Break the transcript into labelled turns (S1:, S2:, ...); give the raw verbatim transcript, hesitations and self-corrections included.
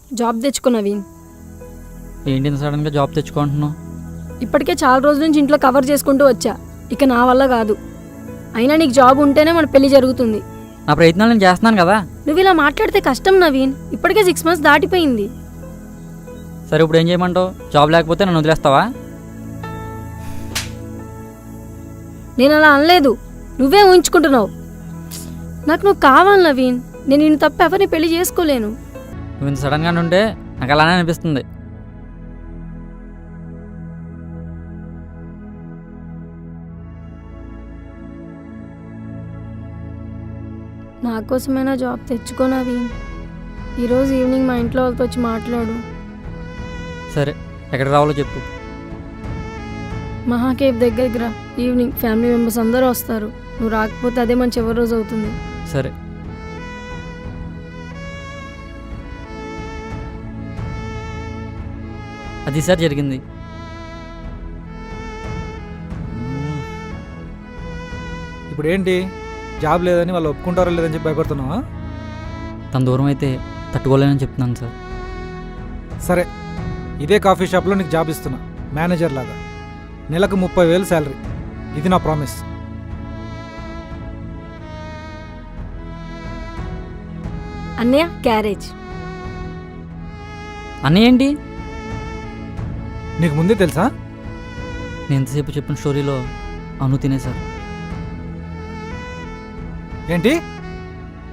S1: Job తెచ్చుకో నవీన్.
S2: ఏంటి సడన్గా జాబ్ తెచ్చుకుంటున్నావు?
S1: ఇప్పటికే చాలా రోజుల నుంచి ఇంట్లో కవర్ చేసుకుంటూ వచ్చా, ఇక నా వల్ల కాదు. అయినా నీకు జాబ్ ఉంటేనే మన పెళ్లి జరుగుతుంది.
S2: నా ప్రయత్నాలు నేను చేస్తున్నాను కదా.
S1: నువ్వు ఇలా మాట్లాడితే కష్టం నవీన్, ఇప్పటికే సిక్స్ మంత్స్ దాటిపోయింది.
S2: సరే ఇప్పుడు ఏం చేయమంటావు? జాబ్ లేకపోతే నన్ను వదిలేస్తావా?
S1: నేను అలా అనలేదు, నువ్వే ఊహించుకుంటున్నావు. నాకు నువ్వు కావాలి నవీన్, నేను నిన్ను తప్ప ఎవరిని పెళ్లి చేసుకోలేను.
S2: నువ్వు ఇంత సడన్గా ఉంటే నాకు అలానే అనిపిస్తుంది.
S1: నా కోసమైనా జాబ్ తెచ్చుకో నవీన్. ఈరోజు ఈవినింగ్ మా ఇంట్లో వాళ్ళతో వచ్చి మాట్లాడు.
S2: సరే, ఎక్కడికి రావాలో చెప్పు.
S1: మహాకేవ్ దగ్గరికి రా. ఈవినింగ్ ఫ్యామిలీ మెంబర్స్ అందరూ వస్తారు. నువ్వు రాకపోతే అదే మన చివరి రోజు అవుతుంది.
S2: సరే. అది సార్ జరిగింది.
S3: ఇప్పుడు ఏంటి, జాబ్ లేదని వాళ్ళు ఒప్పుకుంటారో లేదని చెప్పి భయపడుతున్నావా?
S2: తన దూరం అయితే తట్టుకోలేనని చెప్తున్నాను సార్.
S3: సరే, ఇదే కాఫీ షాప్లో నీకు జాబ్ ఇస్తున్నా, మేనేజర్ లాగా. నెలకు ముప్పై వేలు శాలరీ. ఇది నా ప్రామిస్.
S1: అన్నయ్య క్యారేజ్.
S2: అన్నీ ఏంటి?
S3: నీకు ముందే తెలుసా?
S2: నేను ఎంతసేపు చెప్పిన స్టోరీలో అను తినేశారు.
S3: ఏంటి?